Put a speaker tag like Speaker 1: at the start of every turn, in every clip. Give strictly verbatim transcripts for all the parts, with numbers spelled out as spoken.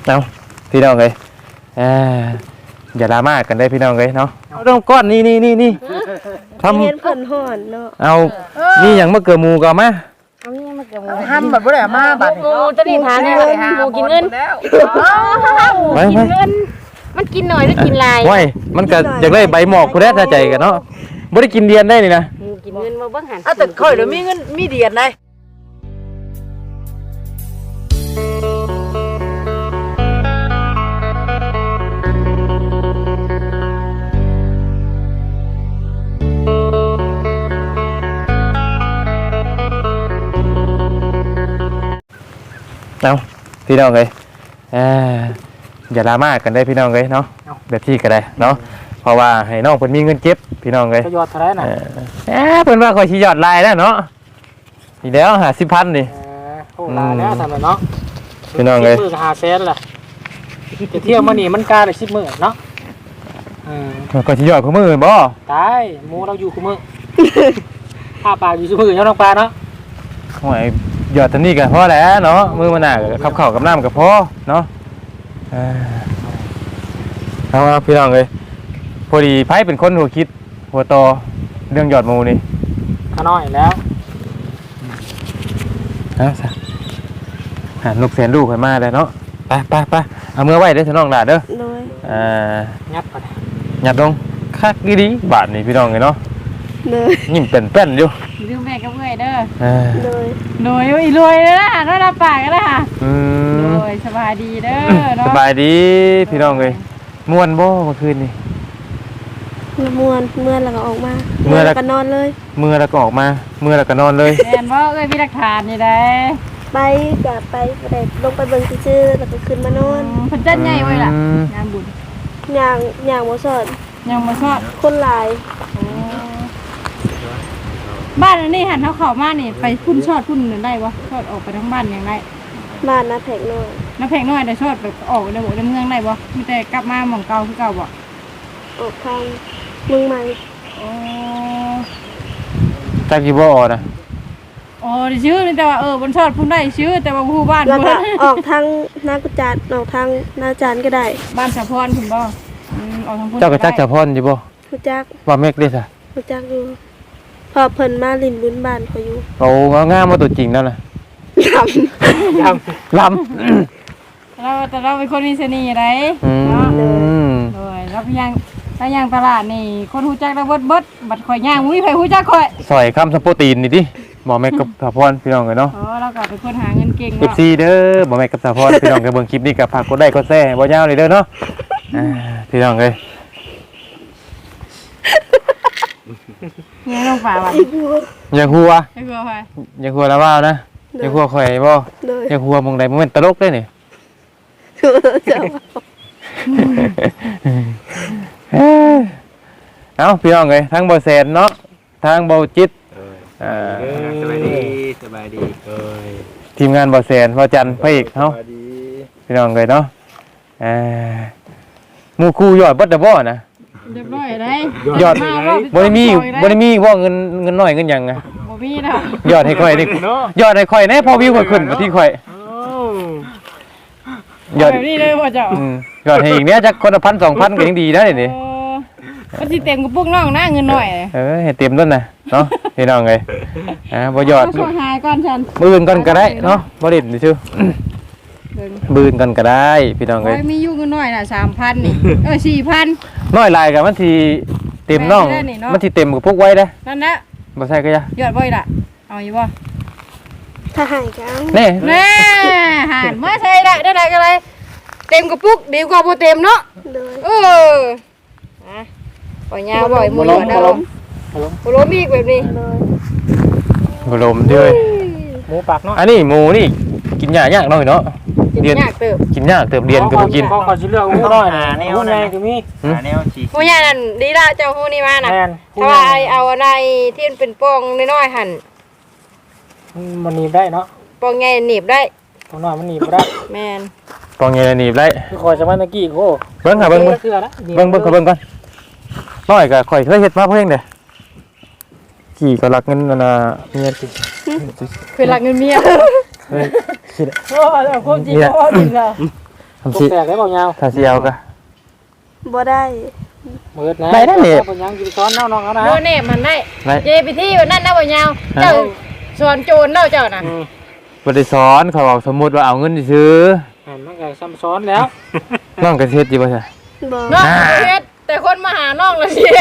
Speaker 1: เอาพี่น้องเลยอ่าอย่าดราม่ากันได้พี่น้องเลยเนาะเอาต้องก้อนนี่นี่นี่นี่ทำ
Speaker 2: เห็นเพิ่นห่อนเนาะ
Speaker 1: เอานี่อย่างมะเขือหมูก็มา
Speaker 2: เอานี่มาเกี่ยว
Speaker 3: ห้ามแบบบ่ได้มาบัด
Speaker 2: หมูจะนี่ทานเงินหมูกินเงิน
Speaker 1: ไป
Speaker 2: กิ
Speaker 1: ไป
Speaker 2: นเงินมันกินหน่อยหรือกินลาย
Speaker 1: ไว้มันก็อยากได้ใบหมอกคุณแม่ถ้าใจกันเนาะบ่ได้กินเดียนได้นี่นะ
Speaker 2: หมูกินเงินมาเบิ่งหัน
Speaker 3: อ่ะแต่ค่อยเดี๋ยวมีเงินมีเดียนได้
Speaker 1: เอาพี่น้องเลยอ่าอย่าดราม่ากันได้พี่น้องเลยเนาะแบบที่ก็ได้เนาะเพราะว่าให้น้องเพิ่นมีเงินเก็บพี่น้องเลย
Speaker 3: ก็ยอดเท่าไหร่น่ะ
Speaker 1: เออเอ๊ะเพิ่นว่าข่อยสิยอดลายแล้วเนาะอีแล้วห้าสิบพันนี่
Speaker 3: เออโอ้ลาแล้วทำไมเนาะ
Speaker 1: พี่น้องเลย
Speaker 3: มื้อหาแสนล่ะจะเที่ยวมานี่มันกาได้สิบมื้อเนาะเออ
Speaker 1: ข่อยสิยอดของมื้อบ่
Speaker 3: ตายหมูเราอยู่คุมื้อข้าปลาอยู่ซุมื้อเนาะน้องปลาเนาะ
Speaker 1: โอ้ยยอดเท่านี้ก็พอแล้วเนาะมื้อมันน่ะขับข้าวกับน้ำก็พอเนาะเออเอาเอาพี่น้องเลยพอดีไผเป็นคนหัวคิดหัวโตเรื่องยอดหมูนี่
Speaker 3: ข้าน้อยแล้ว
Speaker 1: เอาซะหานกแสนลูกให้มาแล้วเนาะไปไปไปเอามือไว้เด้อพี่น้องหลาเด้อ
Speaker 2: โดย
Speaker 1: อ่า
Speaker 3: ยัดไป
Speaker 1: หยัดลงคักดีๆบาทนี่พี่น้องเลยเนาะ
Speaker 2: โดย
Speaker 1: ยิ้มเป็นๆอยู่
Speaker 4: ดูแม่กับเมื่อยเด้อ
Speaker 1: เออ
Speaker 2: โดย
Speaker 4: รวยอุ้ยรวยเลยนะน่ารับปากกันนะค่ะ
Speaker 1: อืม
Speaker 4: รวยสบายดีเด้อ
Speaker 1: ส
Speaker 4: เนาะ
Speaker 1: บายดีพี่น้องเลยม่วนบ่เมื่อคืนนี่
Speaker 2: มวนเมื่อแล้วก็ออกมา
Speaker 1: เมื่อแล้ว
Speaker 2: ก็นอนเลย
Speaker 1: มือแล้วก็ออกมามือแล้วก็นอนเลย
Speaker 4: แม่นว่าเอ้ยมีหลักฐานนี่ได้
Speaker 2: ไปกับไปบ่ได้ลงไปเบิ่งซื่อๆแล้วก็ขึ้นมานอน
Speaker 4: เพิ่นจัดใหญ่ไว้ล่ะ
Speaker 1: อืม
Speaker 4: งานบุญ
Speaker 2: ย่างย่างบ่สอน
Speaker 4: ยังบ่ชอบ
Speaker 2: คนหลาย
Speaker 4: บ้านอันนี้หันเฮาเข้ามานี่ไปพุ่นชอดพุ่นนั่นได้บ่ชอดออกไปทั้งบ้านยังได้
Speaker 2: บ้านนาแพกน้อย
Speaker 4: น้ำแพงน้อยได้ชอดแบบออกในหมู่ในเมืองได้บ่มีแต่กลับมาหม่องเก่าคือเก่าบ่
Speaker 2: ออกทางเมืองใหม่
Speaker 4: อ๋อ
Speaker 1: จักกี่บ่อนะ
Speaker 4: อ๋อได้ชื่อนี่แต่ว่าเออบนชอดพุ่นได้ชื่อแต่ว่าผู้บ้าน
Speaker 2: แล้ว
Speaker 4: บ่
Speaker 2: ก็ออกทางนากุจาดออกทางนาจานก็ได้
Speaker 4: บ้านสะพรพุ่นบ่อืมออกทางพุ่น
Speaker 1: เจ้าก็จักจะพรอยู่บ่
Speaker 2: รู้จัก
Speaker 1: ว่าเมกเด้ซะ
Speaker 2: รู้จักอยู่พอเพิ่นมาลินบุญบ้านเขาอยู่
Speaker 1: โอ้งามๆมาตัวจริงแล้วน่ะ
Speaker 2: ยำ
Speaker 3: ย
Speaker 1: ล
Speaker 4: เราแต่เราเป็นคนมีเสน่ห์ไร
Speaker 1: ำอื
Speaker 4: เนาะ
Speaker 1: ม
Speaker 4: เลยแล้วพยังถ้าย่างตลาดนี่คนหูจักแล้วเบิดเบิดบัดข่อยย่างมุ้ยไผหูจักข่อย
Speaker 1: ซอยคำสโปรตีนนี่ดิบ่แม่กับสาพรพี่น้องกันเนาะ
Speaker 4: อ๋อเราก็เป็นคนหาเงินเก่ง
Speaker 1: เอฟ
Speaker 4: เนาะ
Speaker 1: ซีเด้อบ่แม่กับสาพรพี่น้องกันเบิ่งคลิปนี้ก็ฝากกดไลค์กดแชร์บ่ยาวเลยเด้อเนาะอ่าพี่น้องเอ้ย
Speaker 4: เงินลงป่าว่ะ
Speaker 1: อย่าหัว
Speaker 4: ไอ้กลัวไป
Speaker 1: อย่าหัวละว่าวนะอย่าหัวข่อยบ่
Speaker 2: เลย
Speaker 1: อย่าหัวหมองใดบ่แม่นตลกเด้นี่
Speaker 2: เจ้า
Speaker 1: เอ้ยเอ้าพี่น้องเอ้ยทั้งบ่แสนเนาะทั้งบ่จิตอ่า
Speaker 5: สบายดีสบายดีเอ้ย
Speaker 1: ทีมงานบ่แสนบ่จันทร์พระเอกเฮา
Speaker 5: สบายดี
Speaker 1: พี่น้องเอ้ยเนาะเอ่อหมู่คู่ยอดเบิดเด้อบ่นะ
Speaker 4: เรียบร้อยได้
Speaker 1: ยอดบ่ได้มีบ่ได้มีบ่เงินเงินน้อยเงินหยังไง
Speaker 4: บ่มีแล้ว
Speaker 1: ยอดให้ข่อยดิยอดให้ข่อยแน่พอวิวข่อยขึ้นมาที่ข่อยยอด
Speaker 4: แบบนี้เลยพ่อเจ้า
Speaker 1: อืมยอดให้อีกเนี้ยจักคนละพันสองพันก็ยังดีนะนี่
Speaker 4: โอ้มันสิเต็มกระปุกน้องนะเงินหน่อย
Speaker 1: เออให้เต็มต้นน่ะเนาะพี่น้องเอ้ยอ่าบ่ยอด
Speaker 4: เาช่วยหายก่อนฉัน
Speaker 1: มื้ออื่นก่อนก็ได้เนาะบ่เล่นซื่อ
Speaker 4: เดิน
Speaker 1: มื้ออื่นก่อนก็ได้พี่น้อง
Speaker 4: โอ้
Speaker 1: เอ้ย
Speaker 4: ยมีอยู่เงินหน่อยน่ะสามพันนี่เออสี่พัน
Speaker 1: น้อยลายก็มันสิเต็มน้อง
Speaker 4: แม่นได้นี่เนาะ
Speaker 1: มันสิเต็มกับพวกไว้เด้อ
Speaker 4: นั่นนะ
Speaker 1: บ่ใช่ก็อย่าย
Speaker 4: อดบ่อยล่ะเอาอยู่บ่
Speaker 2: ถ้าหายกัน
Speaker 1: แน่
Speaker 4: แน่หานมาใช่ได้ได้ได้ก็เลยเต็มกระปุกดีกว่าบ่เต็มเนาะ
Speaker 2: เลย
Speaker 4: เอออ่ะปล่อยยาวบ่อยมือหยอดเอาบ่ล้มอีกแบบนี้
Speaker 2: เลย
Speaker 1: บ่ลมเด้อ
Speaker 3: หมูปากเนาะ
Speaker 1: อันนี้หมูนี่กินยากยากหน่อยเนาะ
Speaker 4: กิน
Speaker 1: เรียน
Speaker 4: ยากเติบ
Speaker 1: กินยากเติบเรียนก็บ่กิน
Speaker 3: เขาเขาสิเลือกหมูน้อยนะหมูใหญ่ก็มี
Speaker 1: หืม
Speaker 5: หาแนวฉีก
Speaker 4: ผู้ใหญ่นั่นดีละเจ้าฮู้นี่มาน่ะ
Speaker 3: แม่น
Speaker 4: ถ้าว่าไอ้เอาอะไรที่มันเป็นปองน้อยๆหั่น
Speaker 3: มันหนีบได้เนาะ
Speaker 4: ปองใหญ่หนีบได้
Speaker 3: ตรงน้อยมันหนีบบ่ได้
Speaker 4: แม่น
Speaker 1: ปองเงยหนีบได้
Speaker 3: คือคอยจะมาตะกี้โอ้
Speaker 1: เบิ่งค่ะเบิ่งเบิ่ง
Speaker 3: เกลือละ
Speaker 1: เบิ่งเบิ่งขอเบิ่งก่อนน้อยก็ข่อยเคยเฮ็ดมาเพิ่งเด้กี่ก็รักเงินนั่นน่ะเมียสิ
Speaker 4: คือรักเงินเมีย
Speaker 1: เฮ้ยคิด
Speaker 4: โอ้เอาความจริงเอาจริงอ่ะ
Speaker 1: ทำ
Speaker 3: ต
Speaker 1: สิ
Speaker 3: กแตกได้บ่ยาว
Speaker 1: ถ้าสิเอาก็
Speaker 2: บ่ได้
Speaker 3: เบิดนะ
Speaker 1: ได้ได้นี่
Speaker 3: บ่ยังสิซ้อนน้องๆเอานะ
Speaker 4: โมเน่มันได้
Speaker 1: ได้
Speaker 4: เยไปที่แบบนั้นนะบ่ยาวเจ้าสอนโจรเนาะเจ้าน่ะ
Speaker 3: อืม
Speaker 1: บ่ได้สอนเขาบอกสมมุติว่าเอาเงินซื้อ
Speaker 3: อันมันก็ซ้ำซ้อนแล้ว
Speaker 1: น้องก็เฮ็ดอยู่บ่ใช่
Speaker 2: บ่
Speaker 4: น้องเฮ็ดแต่คนมาหาน้องละสิ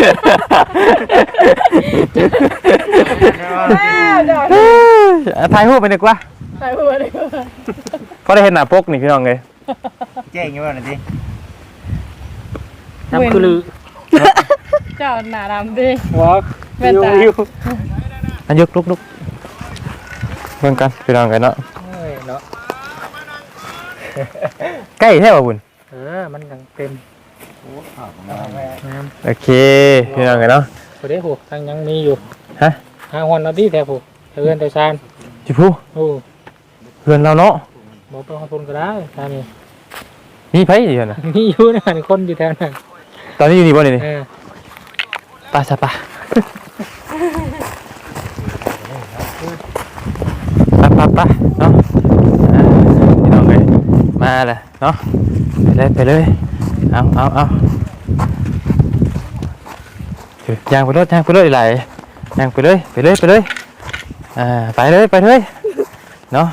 Speaker 1: ถ่ายรูปไปดีกว่า
Speaker 4: ไปหัวเลย
Speaker 1: เพราะได้เห็นหน้าปกนี่พี่น้องเลย
Speaker 5: แจ้งอยู่ว่านั่นสิ
Speaker 3: น้ำคือลือ
Speaker 4: เจ้าหน้าดำดิ
Speaker 3: หัว
Speaker 4: แม่นตา
Speaker 3: อยู่
Speaker 1: อันยกลุกลุกเบิ่งกันพี่น้องกันเนาะ
Speaker 3: เอ้ยเนาะ
Speaker 1: ใกล้แท้บ่บุญ
Speaker 3: เออมันยังเต็มน้ำ
Speaker 1: โอเคพี่น้องกันเนาะ
Speaker 3: พอดีผูทางยังมีอยู่
Speaker 1: ฮะ
Speaker 3: หาวันเอาที่แท้ผูเทือนแต่ซาน
Speaker 1: จิผู้
Speaker 3: โอ้
Speaker 1: เพื่อนเราเนาะ
Speaker 3: บอกไปขอบคุณก็ได้ซานี่
Speaker 1: มีไผอยู่น่ะ
Speaker 3: มีอยู่นะคนอยู่แถวนั้น
Speaker 1: ตอนนี้อยู่นี่บ่นี่นี่
Speaker 3: เออ
Speaker 1: ไปซะปะไปไปไปเนาะอ่าพี่น้องเลยมาเลยเนาะไปเลยไปเลยเอาเอาเอาย่างไปรถย่างไปรถไหลย่างไปเลยไปเลยไปเลยอ่าไปเลยไปเลยเนาะ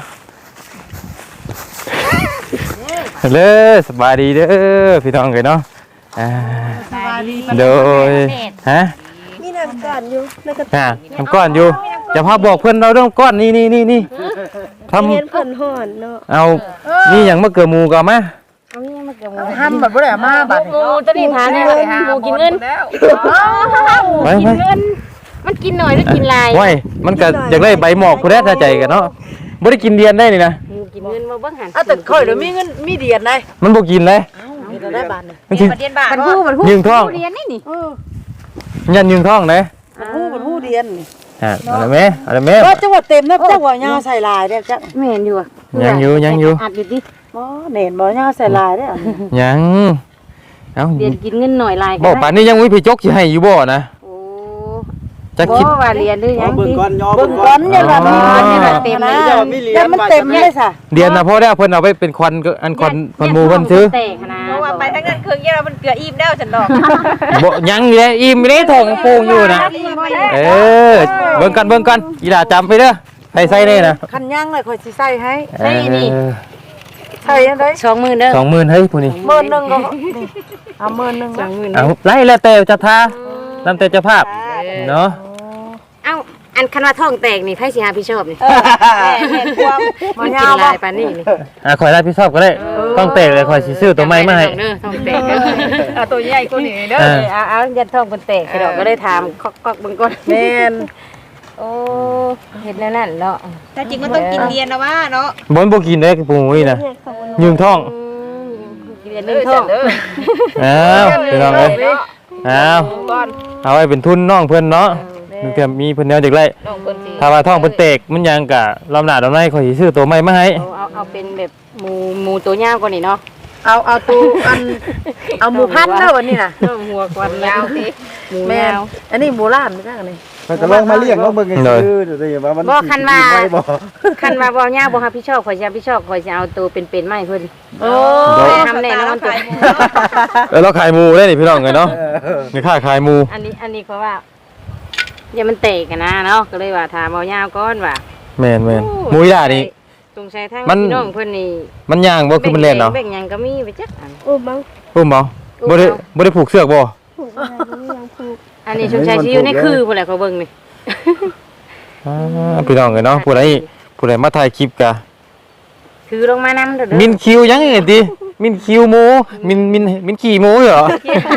Speaker 1: เลยสบายดีเด้อพี่น้องเลยเนาะอ่าโดยฮะ
Speaker 2: มีน้ำกันอยู่ในกระ
Speaker 1: อ่าทำก้อนอยู่จะพาบอกเพื่อนเราเรื่องก้อนนี่นี่นี่นี่ท
Speaker 2: เห็นเพิ่นฮ้อนเนาะ
Speaker 1: ำเอานี่อย่างมะเขือหมูก็มา
Speaker 6: ห้ามแบบบ่ได้มาบัด
Speaker 4: หมูจะนี่ทานได้เลยหมูกินเงิน
Speaker 1: ไป
Speaker 4: กิ
Speaker 1: ไป
Speaker 4: นเงินมันกินหน่อยหรือกินลาย
Speaker 1: ไว้มันก็อยากได้ใบหมอกกูได้ถ้าใจกันเนาะบ่ได้กินเดียนได้นี่นะ
Speaker 4: หมูกินเงินมาเบิ่งหัน
Speaker 6: อ่ะแต่ค่อยเดี๋ยวมีเงินมีเดียนได้
Speaker 1: มันบ่กินเลย
Speaker 6: มีได้บาทนึง
Speaker 1: มันสิ
Speaker 6: เดียนบาท
Speaker 4: มันฮู้มันฮู้
Speaker 1: ยืงท้อง
Speaker 4: เรียนนี่นี่
Speaker 1: ยันยืงท้องเลย
Speaker 6: ฮู้มันฮู้เดียน
Speaker 1: อ่าเอาละแม่เอาละแม่
Speaker 6: ก็จังหวัดเต็มนะจังหวัดยาวใส่ลายได้จัง
Speaker 4: แม่นอยู่อ่ะ
Speaker 1: ยังอยู่ยังอยู่
Speaker 4: อัดอยู่ดิ
Speaker 6: บ่เน่นบ่ยาวใส่ลายได้
Speaker 1: ยังเอ้า
Speaker 4: เรียนกินเงินหน่อยลาย
Speaker 1: บ่ป่านนี้ยังมีพี่จกสิให้อยู่บ่นะ
Speaker 4: โอ้
Speaker 1: จะ
Speaker 4: บ่
Speaker 1: คิด
Speaker 4: ว่าเรียนหรือยัง
Speaker 5: เบิ่ง
Speaker 4: ดิ
Speaker 5: ก่อนย่อ
Speaker 6: เบิ่งก่อนอย่าละมี
Speaker 1: อ๋อ
Speaker 6: เงินอย่าละเต็มนะอย่ามันเต็มเลยซะ
Speaker 1: เดียนนะพ่อได้เพิ่นเอาไปเป็นควันก็อันควันควันหมูเพิ่นซื้อ
Speaker 4: แตกนะ
Speaker 7: เพราะว่าไปทั้งนั้นเครื่องเยอะมันเกลืออิ่มแล้วฉันดอก
Speaker 1: บ่ยังอยู่เลยอิ่มอยู่เลยท้องโป่งอยู่นะเออเบิ่งกันเบิ่งกันอีหล่าจำไปเด้อใส่ใส่ได้นะ
Speaker 6: คันย่างเลยค่อยสิใส่ให้
Speaker 1: เออ
Speaker 6: ใส่ยังได
Speaker 4: สองหมื่นเด้อ
Speaker 1: สองหมื่นเฮ้ยผู้นี้
Speaker 6: หมื่นนึงก็เอาหมื่นนึง
Speaker 4: สองหมื่น
Speaker 1: เอาไล่แล้วแต่จะทานํแต่เจ้าภาพเนาะ
Speaker 4: เอ้าอันคันว่าท้องแตกนี่ไผสิหาพี่ชอบนี่
Speaker 6: แม่แม่ความ
Speaker 4: มันกินลายปานนี้นี่
Speaker 1: อ่ะข่อยรับผิดชอบก็ได้ต้องเตะเลยข่อยสิซื้อตัวใหม่มาให้
Speaker 4: เด้อท้องแตกเด้อ
Speaker 7: เอาตัวใหญ่กว่านี้เด้อ
Speaker 1: เออ
Speaker 4: เอาเอายันท้องเพิ่นแตกกระดอกก็ได้ถามก๊อกๆเบิ่งก่อน
Speaker 6: แม่น
Speaker 4: โอ้เฮ็ดแล้วนั่นเนาะ
Speaker 7: แต่จริงมันต้องกินเรียนนะว่าเนาะ
Speaker 1: บ่นบ่กินได้ปูนี่นะ
Speaker 2: เนี่ยเขาบ่
Speaker 1: ยืงท้อง
Speaker 4: กินเรียนหนึงท้อง
Speaker 1: อ้าวพี่น้องเอ้ยอ้าว
Speaker 7: ก่อน
Speaker 1: เอาไว้เป็นทุนน้องเพิ่นเนาะนึกแต่มีเพิ่นแนวจักไล่
Speaker 7: น้องเพิ่นสิ
Speaker 1: ถ้าว่าท้องเพิ่นเตกมันยังกะลำหน้าลำในข่อยสิซื้อตัวใหม่มาให้
Speaker 4: เอาเอาเอาเป็นแบบหมูหมูตัวยาวกว่านี่เนาะ
Speaker 6: เอาเอาตูอันเอาหมูพันเด้อวันนี้น่ะ
Speaker 4: หัวกวัน
Speaker 7: ยาวสิ
Speaker 4: หมู
Speaker 6: แม่
Speaker 4: ยาน ว
Speaker 6: อันนี้หมูล้านไม่ใช่อันนี้
Speaker 5: มันก็ลองมาเลี้ยงลองเบิ่งให้ซื้อเดี๋ยวจะว่ามัน
Speaker 4: บ่คันว่า
Speaker 5: สิกินไบ่
Speaker 4: คันว่าบ่ยาวบ่รับผิดชอบข่อยสิรับผิดชอบข่อยสิเอาตัวเป็นๆมาให้เพิ่น
Speaker 6: โอ้
Speaker 4: ทำแน่นอนตัว
Speaker 1: เออเราขายหมูได้นี่พี่น้องเอ้ยเนาะ
Speaker 5: เออ
Speaker 1: นี่ค่าขายหมู
Speaker 4: อันนี้อันนี้เพราะว่าอย่ามันเตะกันนะเนาะก็เลยว่าถามเอายาวก่อนว่า
Speaker 1: แม่นแม่นหมูอีหล่านี่
Speaker 4: ตรงใช้ทาง
Speaker 1: มัน
Speaker 4: พี่น้องเพิ่นนี่
Speaker 1: มันย่างบ่คือมันเล่นเนาะ
Speaker 4: แบ่งหยังก็มีไปจักอัน
Speaker 2: โอ้บัง
Speaker 1: อุ้มบ่บ่ได้บ่ได้ผูกเสือกบ่
Speaker 2: ผูกอะไรบ่ยังผูก
Speaker 4: อันนี้ชุมชายสิอยู่ในคือพุ่นแหละเขาเบิ่งนี่
Speaker 1: อ่าพี่น้องเอ้ยเนาะผู้ใดผู้ใดมาถ่ายคลิปกะ
Speaker 4: คือลงมานำเด้อเด้อ
Speaker 1: มินคิวยังไงติมินคิวหมูมินมินมินขี่หมูเหรอ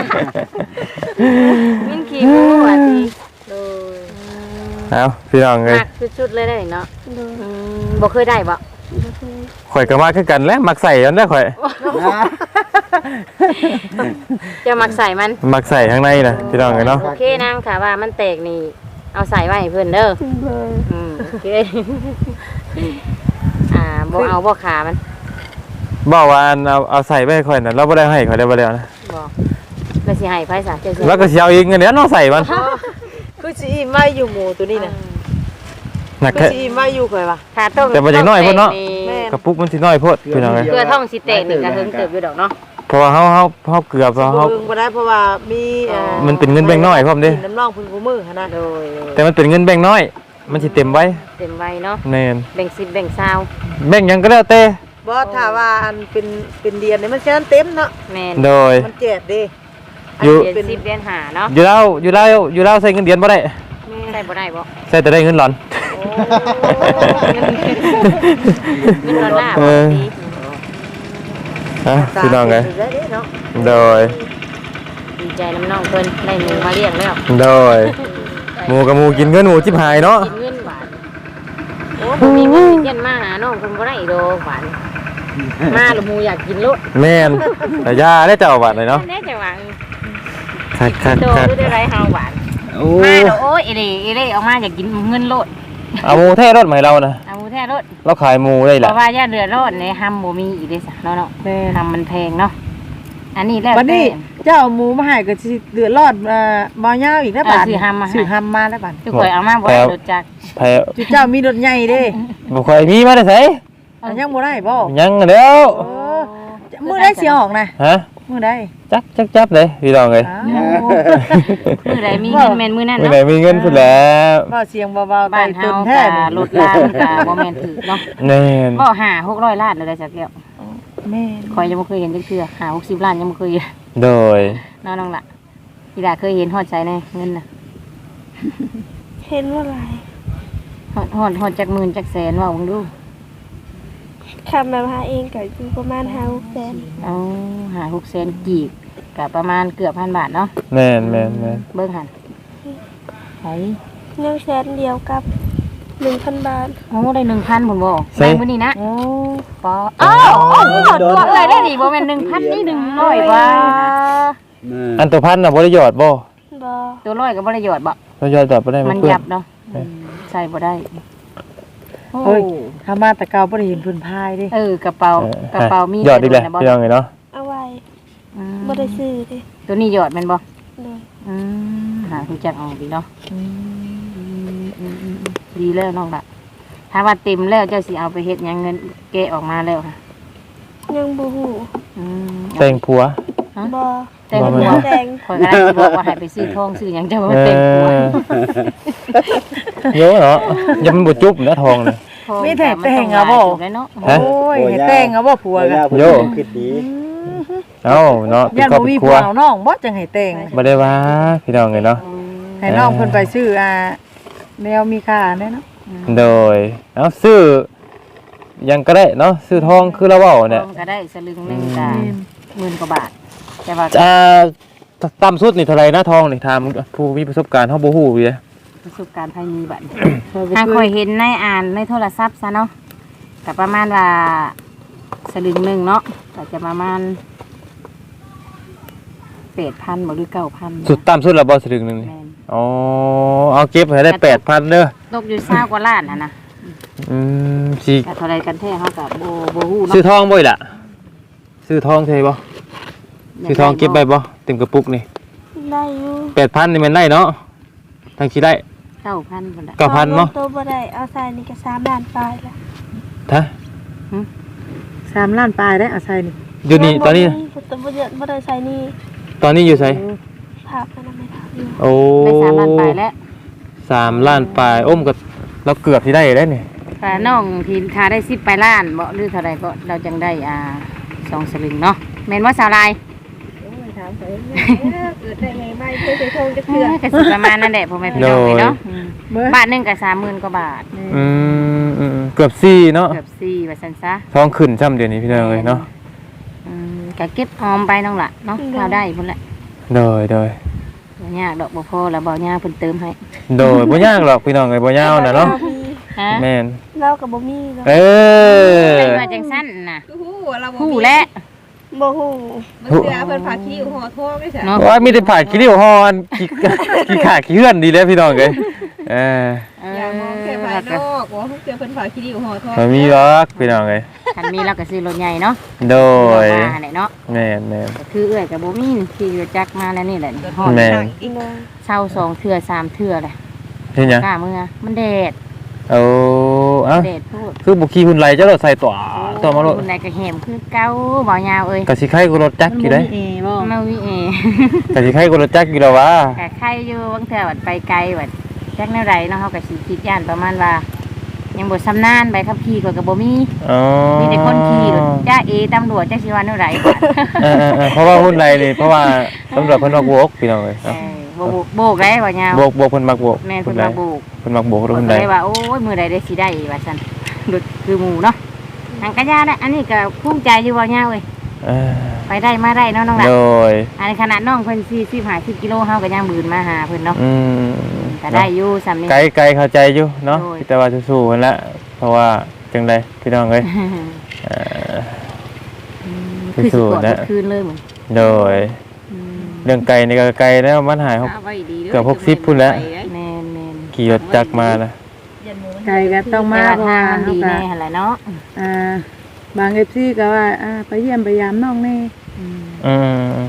Speaker 4: มินขี้หมูว่าสิโดย
Speaker 1: เอาพี่น้องเอ้ย
Speaker 4: มักสุดๆเลยได้เนาะ
Speaker 2: โดย
Speaker 4: อืมบ่เคยได้บ่
Speaker 2: บ่เคย
Speaker 1: ข่อยก็มาคือกันแหล้วมักใส่อันนั้นข่อย
Speaker 4: จะมักใส่มัน
Speaker 1: มักใส่ข้างในน่ะพี่น้องเอ้ยเนาะ
Speaker 4: โอเคนางค่ะว่ามันแตกนี่เอาใส่ไว้ให้เพิ่นเด้อ
Speaker 2: โดย
Speaker 4: อืมโอเค อ่าบ่เอาบ่ขามัน
Speaker 1: บอกว่าอันเอาเอาใส่ไปให้ข่อยน่ะเราบ่ได้ให้ข่อยได้บ่แล้วนะ
Speaker 4: บ่แล้วสิให้ไผซะเจ้าสิ
Speaker 1: แล้วก็สิเอาอีกเงินเดือนเนาะใส่มัน
Speaker 6: คือสิอิ่มไว้อยู่หมูตัวนี้น่ะ
Speaker 1: หนัก
Speaker 6: คือ
Speaker 1: แค่
Speaker 6: สิอิ่มไว้อยู่ข่อยว่า
Speaker 4: ขาต้ม
Speaker 1: แต่บ่อย่างน้อยเพิ่นเนาะ
Speaker 6: แม่น
Speaker 1: กระปุกมันสิน้อยโพดพี่น้องเอ้ย
Speaker 6: เกลือท่องสิเตะนี่ก็เฮิงเติบอยู่ดอกเนาะ
Speaker 1: เพราะว่าเฮาเฮาเฮาเกือบเพราะเฮา
Speaker 6: เฮิงบ่ได้เพราะว่ามีเอ่อ
Speaker 1: มันเป็นเงินแบงค์น้อยพร้อมเด้
Speaker 6: น้ำร่องพึ่งกูมือหั่นน่ะโดย
Speaker 1: แต่มันเป็นเงินแบงค์น้อย มันสิเต็มไว้
Speaker 6: เต็มไว้เนาะ
Speaker 1: แม่น
Speaker 6: แบ่งสิบแบ่งเศร้า
Speaker 1: แบงค์หยังก็แล้วแต่
Speaker 6: บ่ถ้าว่าอันเป็นเป็นเดือนนี่มันแค่นั้นเต็มเนาะแม่น
Speaker 1: โดย
Speaker 6: มันเจ็บเด้
Speaker 1: อยู่
Speaker 6: เดือนสิบเดือนห้าเนาะ
Speaker 1: อยู่แล้วอยู่แล้วอยู่แล้วใส่เงินเดือนบ่ได้
Speaker 6: ใช่บ่ได้บ่
Speaker 1: ใส่แต่ได้เงินหลอน
Speaker 6: เงินดอลลาร์
Speaker 1: เอ
Speaker 6: บ่
Speaker 1: อ
Speaker 6: ดี
Speaker 1: ฮะพี่น้องไง
Speaker 6: ตาเป็นไปได้เนาะ
Speaker 1: โดย
Speaker 6: ดีใจน้ำน้องเพิ่นได้หมูมาเลี้ยงแล้ว
Speaker 1: โดยหมูกับหมูกินเงินหมูชิบหายเนาะ
Speaker 6: กินเงินบาทโอ้บ่มีเงินสิเย็นมาหาน้องเพิ่นบ่ได้ดอกบาทมาแล้วหมูอยากกินโลด
Speaker 1: แม่นแต่ยาได้เจ้าบาทเลยเนาะ
Speaker 6: แน่จังหว่า
Speaker 1: คักคัก
Speaker 6: โต
Speaker 1: คัก
Speaker 6: หรือได้ไรเฮาบาท
Speaker 1: โอ้
Speaker 6: มาแล้วโอ้ยเอเล่เอเล่ออกมาอยากกินเงินโลด
Speaker 1: เอาหมูแท้รถใหม่เรานะ
Speaker 6: เอาหมูแท้โลด
Speaker 1: เราขายหมูได้
Speaker 6: เพ
Speaker 1: แหละ
Speaker 6: ราะว่าย่าเรือโลดในฮัมบ่มีอีกเด้ซะเนาะเนาะฮัมมันแพงเนาะอันนี้แล้ว
Speaker 8: วันนี้เจ้าเอาหมูมาให้ก็สิเดือดรอดเอ่อบ่ยาวอีกแล้วบาด
Speaker 6: ซื้อฮัมมา
Speaker 8: ซื้อฮัมมาแล้วบาด
Speaker 6: ทุกคนเอามาบ่ได้รถจักร
Speaker 1: แพ้
Speaker 8: จุเจ้ามีรถใหญ่เด้
Speaker 1: บ่ค่อยมีมาได้ไส
Speaker 8: อันยังบ่ได้บ่
Speaker 1: ยังแล้ว
Speaker 8: เออมื้อใดสิออกนะ
Speaker 1: ฮะ
Speaker 8: มื้อใด
Speaker 1: จักจักจับเลยพี่น้องเอ้ย
Speaker 8: อ้าว
Speaker 6: มื้อใดมีเงินแม่นมื้อนั้น
Speaker 1: มื้อ
Speaker 6: เนาะ
Speaker 1: ไหนมีเงินพุ่นแล้ว
Speaker 8: ก็เสียงเบาๆ
Speaker 6: บ้าน
Speaker 8: ไต่
Speaker 6: เฮา
Speaker 8: ต้น
Speaker 6: ก็
Speaker 8: แท้นี่
Speaker 6: รถลางก็บ่แม่นถือเนาะ
Speaker 1: แน่น
Speaker 6: บ่ห้า หกร้อยล้านเลยได้สักแก้ว
Speaker 8: แม่
Speaker 6: คอยยังบ่เคยเห็นจักเทื่อห้า หกสิบล้านยังบ่เคยเห็น
Speaker 1: โดย
Speaker 6: เนาะน้องล่ะพี่ดาเคยเห็นฮอดใจแน่เงินน่ะ
Speaker 2: เห็นว่าไร
Speaker 6: ฮอดฮอดฮอดจักหมื่นจักแสนว่าเบิ่งดู
Speaker 2: คำมาพาเองก็อยู่ประมาณห้าหกแสน
Speaker 6: เอาห้า หกแสนกีบก็ประมาณเกือบพันบาทเนาะ
Speaker 1: แม่นแม่นแม่น
Speaker 6: เบิ่งหั่นไผ
Speaker 2: หนึ่งแสนเดียวกับหนึ่งพันบาท
Speaker 6: โอ้ได้หนึ่งพันพุ่นบ่แม่งมื้อนี้นะ
Speaker 8: โอ้
Speaker 6: ปออ้าวตัวเอ้ยได้นี่บ่แม่นหนึ่งพันนี่หนึ่งร้อยว่า
Speaker 1: อันตัวพันน่ะบ่ได้หยอดบ่
Speaker 2: บอ
Speaker 6: ตัวร้อยก็บ่ได้หยอดบ่
Speaker 1: เราหยอดแบบบ่ได้
Speaker 6: มัน
Speaker 1: เปื้อ
Speaker 6: ยับเนาะอืมใส่บ่ได้โอ้
Speaker 8: เฮ้ยถ้ามาแต่เก่าบ่ได้เห็นเพิ่นพายเด้
Speaker 6: เออกระเป๋า
Speaker 1: เออก
Speaker 6: ระเป๋ามี
Speaker 1: หยอดอีกแล้ว
Speaker 6: นะบ่
Speaker 1: พี่น้องเอ้ยเนาะ
Speaker 2: เอาไว้
Speaker 6: อืม
Speaker 2: บ่ได้ซื้อเดิ
Speaker 6: ตัวนี้หยอดแม่นบ่
Speaker 2: เลย
Speaker 6: อืมหารู้จักออกดีเนาะอืมอืมอืมอืมดีแล้วน้องล่ะถ้าว่าเต็มแล้วเจ้าสิเอาไปเฮ็ดหยังเงินแกะออกมาแล้วค่ะ
Speaker 2: ยังบ่ฮู้
Speaker 6: อืม
Speaker 1: แต่งผัว
Speaker 2: บอ
Speaker 6: แต่ง
Speaker 1: บ่
Speaker 6: ผัว
Speaker 1: แม่น
Speaker 2: แดง
Speaker 6: ข่อยก็ได้สิบอกว่าให้ไปซื้อทองซื้อหยังเจ้าว่าแต่งผัว
Speaker 1: เยอะเนาะยังมันบ่จุบนะทองนี่
Speaker 6: ทอง
Speaker 8: มีแต่
Speaker 6: มัน
Speaker 8: แต่
Speaker 6: อง ง
Speaker 8: เอาบ่
Speaker 6: หลายจุดเลยเนาะ
Speaker 1: ฮะ
Speaker 8: โอ้ยให้แต่งเอาบ่ผัวกัน
Speaker 1: โย่
Speaker 5: คิดดี
Speaker 1: เอ้าเนาะเป็น
Speaker 8: ย่าน
Speaker 1: ครอบ
Speaker 8: บ่มี
Speaker 1: ครั
Speaker 8: ผั
Speaker 1: ว
Speaker 8: วเอาน้องบ่จังให้แต่ง
Speaker 1: บ่ได้ว่าพี่น้องเอ้ยเนาะ
Speaker 8: ให้น้องเพิ่นไปซื้ออ่าแนวมีค่าแน่เนาะ
Speaker 1: โดยเอ้าซื้อหยังก็ได้เนาะซื้อทองคือเราเว้าเนี่ย
Speaker 6: ทองก็ได้สลึงหนึงก็หมื่นกว่าบาทแต่ว่า
Speaker 1: อ่าต่ำสุดนี่เท่าไหร่นะทองนี่ถามผู้มีประสบการณ์เฮาบ่ฮู้อยู่เด้
Speaker 6: ประสบการณ์ภายมีบัดทางคอยเห็นในอ่านในโทรศัพท์ซะเนาะก็ประมาณว่าสลึงหนึงเนาะก็จะประมาณแปดพันบ่หรือเก้าพัน
Speaker 1: สุดต่ำสุดแล้วบ่สลึงหนึงนี่
Speaker 6: แม่น
Speaker 1: อ๋อเอาเก็บให้ได้แปดพันเด้อ
Speaker 6: ตกอยู่เศร้ากว่าล้านน่ะนะ
Speaker 1: อืมสิ
Speaker 6: แต่เท่าไรกันแท้เขากับโบโบฮู้
Speaker 1: ซื้อ
Speaker 6: เนาะ
Speaker 1: ทองบ่อีล่ะซื้อทองเทบ่ซื้อทองเก็บไปบ่เต็มกระปุกนี่
Speaker 2: ได้อยู่
Speaker 1: แปดพันนี่มันได้เนาะทางสิได้
Speaker 6: เก้าพันคนละ
Speaker 1: เก้าพันเนาะ
Speaker 2: ตัวบ่ได้เอาใส่นี่ก็สามล้านปลายละ
Speaker 1: ฮะ
Speaker 8: สามล้านปลายได้อาศัยนี่
Speaker 1: อยู่นี่ตอนนี้
Speaker 2: ตัวบ่ได้บ่ได้ใส่นี่
Speaker 1: ตอนนี้อยู่ไส
Speaker 2: ภาพมันไม่ทันอยู่
Speaker 1: โอ้
Speaker 6: ได้สามล้านไปแล้ว
Speaker 1: สามล้านปลายโอ้มก็เราเกือบที่ได้ได้นี่
Speaker 6: ค่ะน้องทีนทาได้สิบไปล้านบ่หรือเท่าไรก็เราจังได้อ่าสองสลึงเนาะแม่นว่าสาวลาย
Speaker 2: เกิดได้ไงไม่เคยใส่ทองจะ
Speaker 6: เอ
Speaker 2: เถื่อ
Speaker 6: อก็สิประมาณนั้นแหละพ่อแม่พี่น้องเลยเนาะอืม
Speaker 8: เบิ่ง
Speaker 6: บาทหนึงก็สามหมื่นกว่าบาท
Speaker 1: อืมอืมอืมเกือบสี่เนาะ
Speaker 6: เกือบสี่ว่าซั่นซะ
Speaker 1: ทองขึ้นช่ำเดี๋ยวนี้พี่น้องเลยเนาะ
Speaker 6: อืมก็เก็บออมไปน้องล่ะเนาะเราได้พุ่นแหละ
Speaker 1: โดยโดย
Speaker 6: บ่ยากดอกบ่พอแล้วบ่ยากเพิ่นเติมให้
Speaker 1: โดยบ่ยากหรอกพี่น้องเลยบ่ยาวน่ะเนาะ
Speaker 6: ฮะ
Speaker 1: แม่น
Speaker 2: เรากับบ่มีเนาะ
Speaker 1: เออ
Speaker 6: เป็นว่าจังซั่นน่ะ
Speaker 7: ฮู้เราบ่
Speaker 6: ฮู้
Speaker 7: มี
Speaker 6: แล้ว
Speaker 2: บ่ฮู้
Speaker 7: มันเสือเพิ่นพาคิ้วห่อทองได้จ้ะ
Speaker 6: เนาะ
Speaker 1: ว่ามีแต่ผ่าขี้ริ้วฮอนขี้ขี้ขาขี้เฮือนดีแล้วพี่น้องเลยเออ
Speaker 6: เอ
Speaker 7: อย่ามองแค่ภายนอกว่าเสือเพิ่นพาคิ้วห่อทอง
Speaker 1: บ่มีหรอกพี่น้องเลย
Speaker 6: คันมีเราก็ซื้อรถใหญ่เนาะ
Speaker 1: โดย
Speaker 6: มาแหละเนาะ
Speaker 1: แม่นแม่น
Speaker 6: ก็คือเอื้อยกับบ่มีขี่รถจักรมาแล้วนี่แหละฮอด
Speaker 1: แม่น
Speaker 2: อีน้อง
Speaker 6: เช่าสองเทื่อสามเทื่อแหละ
Speaker 1: เห็นหยัง
Speaker 6: กล้าเมื่อมันแดด
Speaker 1: โอ้เอ้า
Speaker 6: แดดพูด
Speaker 1: คือบุคีหุ่นไหลเจ้ารถใส่ตัวตัวมาโลด
Speaker 6: คนใดก็แหมคือเก่าบ่ยาวเอ้ย
Speaker 1: กะสิไข่กูรถจักรอยู่ได้
Speaker 8: เอบ่
Speaker 6: มาวิเอก
Speaker 1: ะสิไข่กูรถจักรอยู่แล้ววะ
Speaker 6: กะใครอยู่บางเทื่อวัดไปไกลวัดจักแนวใดเนาะเฮาก็สิคิดย่านประมาณว่า ยังบ่ชำนาญใบขับขี่ก็ก็บ่มี
Speaker 1: อ๋อ
Speaker 6: มีแต่คนขี่รถจ้าเอตำรวจจักสิว่าแนวใด
Speaker 1: เออๆๆเพราะว่าหุ่นไหลนี่เพราะว่าตำรวจเพิ่นมักโบกพี่น้องเอ้ย
Speaker 6: เออโบกโบกได้บ่ยาว
Speaker 1: โบกโบกเพิ่นมักโบก
Speaker 6: แม่นเพิ่นมาโบก
Speaker 1: เพิ่นมักโบกรถ
Speaker 6: เพิ่
Speaker 1: หุ่
Speaker 6: น
Speaker 1: นไหล
Speaker 6: ก็เลยว่าโอ้ยมื้อใดได้สิได้ว่าซั่นรถคือหมู่เนาะทางกะยาได้อันนี้ก็ภูมิใจอยู่บ่ยาวเอ้ย
Speaker 1: เออ
Speaker 6: ไปได้มาได้เนาะน้องหลาน
Speaker 1: โดย
Speaker 6: อันนี้ขนาดน้องเพิ่นสี่สิบห้าสิบกิโลเฮาก็ยังบืนมาหาเพิ่นเนาะ
Speaker 1: อืม
Speaker 6: ก็ได้อยู่สำนี้
Speaker 1: ไกลไกลเข้าใจอยู่เนาะ
Speaker 6: โดย
Speaker 1: แต่ว่าสู้ๆนั่นแหละเพราะว่าจังไดพี่น้องเอ้ยเอ่อ
Speaker 6: คือสิ
Speaker 1: สู้
Speaker 6: กด
Speaker 1: ๆนะ
Speaker 6: คืนเลยเหมือน
Speaker 1: โดยเรื่องไกลนี่ก็ไกลแล้วมันหายหก เกือบหกสิบพุ่นแล้ว
Speaker 6: แม่นแม่น
Speaker 1: ขี่รถจักรมานะ
Speaker 8: ไกลก็ต้องมา
Speaker 6: แต่
Speaker 8: เพ
Speaker 6: ว่า
Speaker 8: ราะ
Speaker 6: ทาง
Speaker 8: ว่า
Speaker 6: มัน
Speaker 8: เฮา
Speaker 6: ดี
Speaker 8: ก็
Speaker 6: แน่หั่นแหละเนาะ
Speaker 8: อ่าบาง เอฟ ซี ก็ว่าอ่าไปเยี่ยมไปยามน้องแน่
Speaker 1: อืม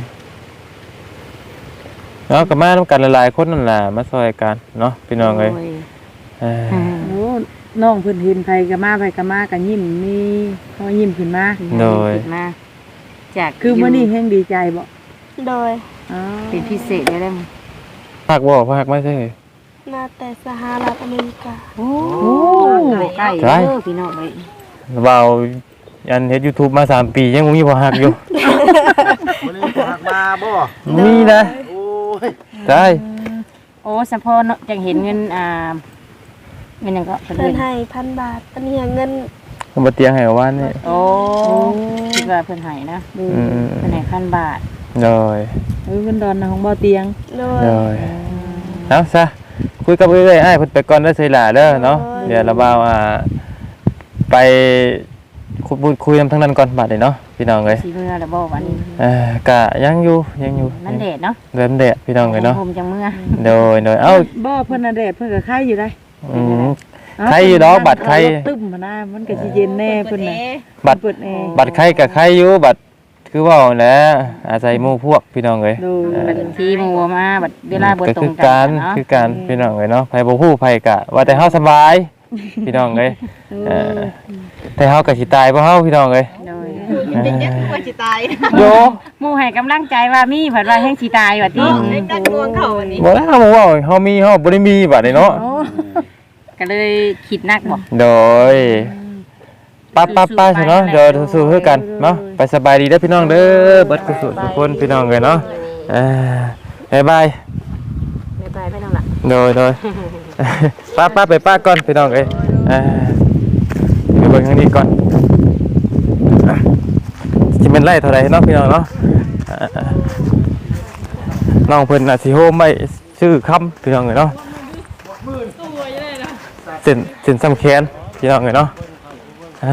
Speaker 1: เนาะก็มานํกันหลายๆคนนั่นล่ะมาซอยกันเนาะพี่น้องเอ้ย
Speaker 6: โย
Speaker 1: เออ
Speaker 6: อืม
Speaker 8: โอ้น้องเพิ่นเห็นไผก็มาไผก็มาก็ยิ้มมีเขายิ้มขึ้นมา
Speaker 1: โดย
Speaker 6: คิมาจาก
Speaker 8: คือมื้อนี้แฮงดีใจบ่
Speaker 2: โดย
Speaker 8: อ๋อ
Speaker 6: เป็นพิเศษได้แล้วมั้ง
Speaker 1: ภาคบ่ภาคไม่ใช่
Speaker 2: มาแต่สหรัฐอเมริกา
Speaker 6: โอ้ใกล้
Speaker 1: ใกล้
Speaker 6: เด้อพี่น้องเอ้ย
Speaker 1: เบาอันเฮ็ด YouTube มาสามปียังบ่มีบ่ฮักอยู่
Speaker 5: บ่ได้หักมาบ่
Speaker 1: มีนะ
Speaker 5: โอ้ย
Speaker 1: ใช่
Speaker 6: โอ้สะพอเนาะจังเห็นเงินอ่าเงินหยังก็เพิ่น
Speaker 2: เพิ่น
Speaker 6: เห็น
Speaker 2: ให้พันบาทอันนี้เงิน
Speaker 1: ผมบ่เตียงให้ว่านี่
Speaker 6: โอ้คิดว่าเพิ่นให้นะ
Speaker 1: อืม
Speaker 6: เพิ่นให้พันบาท
Speaker 1: โดย
Speaker 8: เออเพิ่นดอนนะของบ่เตียง
Speaker 2: โดย
Speaker 1: โดยเอาซะคุยกับเอ้ยอ้ายเพิ่นไปก่อนเด้อไสล่ะเด้อเนาะ
Speaker 2: โอ้ย
Speaker 1: เดี๋ยวเราบ่าวอ่าไปคุยพูดคุยนำทางนั้นก่อนบัดนี้เนาะพี่น้องเอ้ย
Speaker 6: สิเมื่อแล้วบ่วันนี้
Speaker 1: เอ่อกะยังอยู่ยังอยู่
Speaker 6: มันแดดเนาะ
Speaker 1: เริ่มแดดพี่น้องเอ้ยเนาะ
Speaker 6: ผมจังเมื่อ
Speaker 1: โดยโดยเอ้า
Speaker 8: บ่เพิ่นน่ะแดดเพิ่นก็ไข่อยู่ได้
Speaker 1: อืม ไข่อยู่ดอกบัตรไข่
Speaker 8: ตึ้มมานะมันก็สิเย็นแน่เพิ่นน่ะ
Speaker 1: บัตร
Speaker 8: เปิดแอร์
Speaker 1: บัตรไข่กับไข่อยู่บัตรคือเว่าแหล้วอาศัยหมู่พวกพี่น้องเอ้ย
Speaker 8: ดู
Speaker 6: บัดที่หมู่มาบัดเวลาบ่
Speaker 1: ก็
Speaker 6: ตร
Speaker 1: คื
Speaker 6: ง
Speaker 1: อ
Speaker 6: กั
Speaker 1: การ
Speaker 6: นเนาะ
Speaker 1: คือการพี่น้องเอ้ยเนาะไผบ่ฮู้ไผกะว่าแต่เฮาสบาย พี่น้องเอ้ยเออแต่เฮาก็สิตายบ่เฮาพี่น้องเอ้ย
Speaker 6: โดย
Speaker 7: เป็นยังกว่าสิตาย
Speaker 1: โย
Speaker 6: หมู่ให้กำลังใจว่ามีเพิ่นว่าแฮงสิตายว่าติ
Speaker 7: เล็กดักดวงเขาวันนี้
Speaker 1: บ่ได้เฮาบ่เว้าเฮามีเฮาบ่ได้มีบัดนี้เนาะ
Speaker 6: ก็เลยคิดหนักบ่
Speaker 1: โดยป้าป้าป้าใช่เนาะเดี๋ยวสู้ๆคือกันเนาะไปสบายดีเด้อพี่น้องเด้อเบิดกุศลทุกคนพี่น้องเอ้ยเนาะเอ่อบ๊ายบาย
Speaker 6: ไม่ไปไม่ต้องละ
Speaker 1: โดยโดย ป้าป้าไปป้าก่อนพี่น้องเอ้ยเอ่อไปเบิ่งทางนี้ก่อนอ่ะสิเป็นไร่เท่าไหร่เนาะพี่น้องเนาะอ่าน้องเพิ่นน่ะสิโฮมไว้ชื่อคำพี่น้องเอ้ยเนาะเส้นเส้นสำแขนพี่น้องเอ้ยเนาะอ่า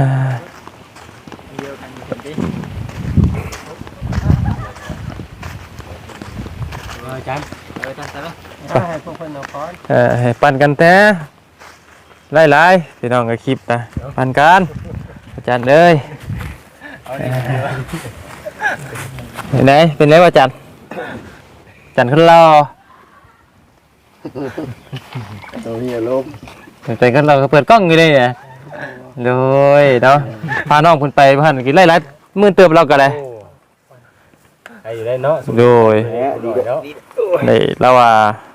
Speaker 3: อาจารย์เออตั้งแต่ละให้พวกเพิ่นเอาก่อน
Speaker 1: เอ่อให้ปั่นกันแท้หลายๆพี่น้องก็คลิปนะปั่นกันอาจารย์เอ้ยเห็นไหมเป็นไรวะอาจารย์อาจารย์ขึ้นรอ
Speaker 5: ตัวนี้ลม
Speaker 1: ไปกันเราก็เปิดกล้องอยู่เลยเนี่ยโดยเนาะพาน้องเพิ่นไปพันกินไล่รัดมื่นเติมเราก็เลย
Speaker 3: ใครอยู่ได้เนาะ
Speaker 1: โดย
Speaker 3: แหมดีแล้ว
Speaker 1: ในเราว่า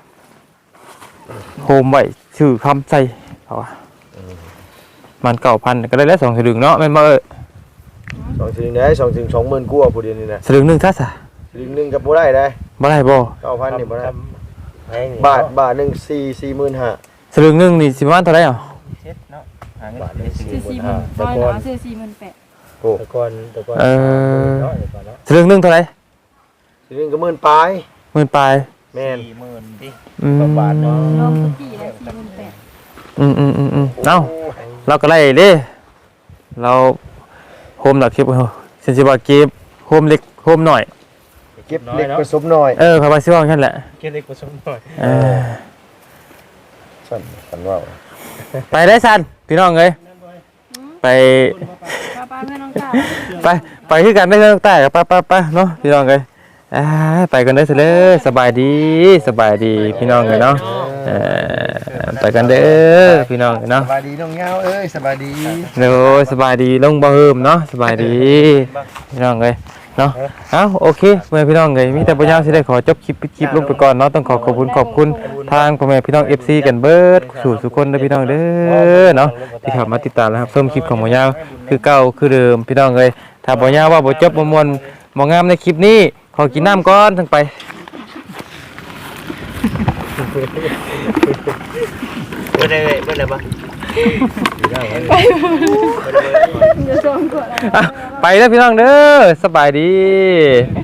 Speaker 1: โฮมไว้ชื่อคำใส่เขาว่ามันเก่าพันก็ได้แล้วสองสลึงเนาะแม่นบ่เอ้ย
Speaker 5: สองถึงได้สองถึงสองหมื่นกว่าผู้เดียวนี่นะ
Speaker 1: สลึงหนึงทัสะ
Speaker 5: ลิงหนึงก็บ่ได้ได้
Speaker 1: บ่ได้บ่
Speaker 5: เก้าพันนี่บ่ได้
Speaker 3: แพงนี่
Speaker 5: บาทบาทหนึงสี่สี่หมื่นห้า
Speaker 1: สลึงหนึงนี่สิประมาณเท่าไหร่อ่ะ
Speaker 3: เช็ดเนาะหาเงิน
Speaker 5: บาทหนึงสี่หมื่น
Speaker 7: ร้
Speaker 5: ห้า
Speaker 7: อยหนาซื้อสี่หมื่นแปด
Speaker 5: โอ้
Speaker 3: ตะกอนตะกอน
Speaker 1: เออ
Speaker 3: เนาะตะกอนเนาะ
Speaker 1: สลึงหนึงเท่าไหร่
Speaker 5: ลิงหนึงก็หมื่นปลาย
Speaker 1: หมื่นปลาย
Speaker 5: แม่น
Speaker 3: สี่หมื่นดิ
Speaker 1: อืม
Speaker 3: บาทเนาะ
Speaker 7: รวมทุกที่แล้วสี่หมื่นแปด
Speaker 1: อืมอืมอืมอืมเอ้าเราก็ไล่เด้เราโฮมหลักคลิปเฮาเซนสิว่าเก็บโฮมเล็กโฮมหน่อย
Speaker 5: เก็บเล็กผสมน้อย
Speaker 1: เออเขาว่าสิว่าซั่นแหละ
Speaker 3: เก็บเล็กผสมหน่อย
Speaker 1: เออ
Speaker 5: สั่นสั่นว่า
Speaker 1: ไปได้ซันพี่น้องเอ้ยไป
Speaker 7: ป้าป้าเพื่อนน้องก้าว
Speaker 1: ไปไปคือกันได้เรื่องใต้กับป้าป้าป้าเนาะพี่น้องเอ้ยอ่าไปกันได้อเสยเลยสบายดีสบายดีพี่น้องเอ้ยเนาะเออไปกันเด้อพี่น้องเนาะ
Speaker 5: สบายดีน้องเงาเอ้ยสบายดี
Speaker 1: โอ้ยสบายดีลงบ่เฮิมเนาะสบายดีพี่น้องเอ้ยเนาะเอ้าโอเคพ่อแม่พี่น้องเอ้ยมีแต่บ่ยาวสิได้ขอจบคลิปปิดคลิปลงไปก่อนเนาะต้องขอขอบคุณขอบคุณทางพ่อแม่พี่น้อง เอฟ ซี กันเบิดสู่ทุกคนเด้อพี่น้องเด้อเนาะที่เข้ามาติดตามนะครับเพิ่มคลิปของบ่ยาวคือเก่าคือเดิมพี่น้องเอ้ยถ้าบ่ยาวว่าบ่จบบ่ม่วนบ่งามในคลิปนี้ขอกินน้ำก่อนทั้งไป
Speaker 5: บ่ได้บ่ได้บ่
Speaker 7: เดี๋ยวส่งก่อน
Speaker 1: อ่ะไปแล้วพี่น้องเด้อสบายดี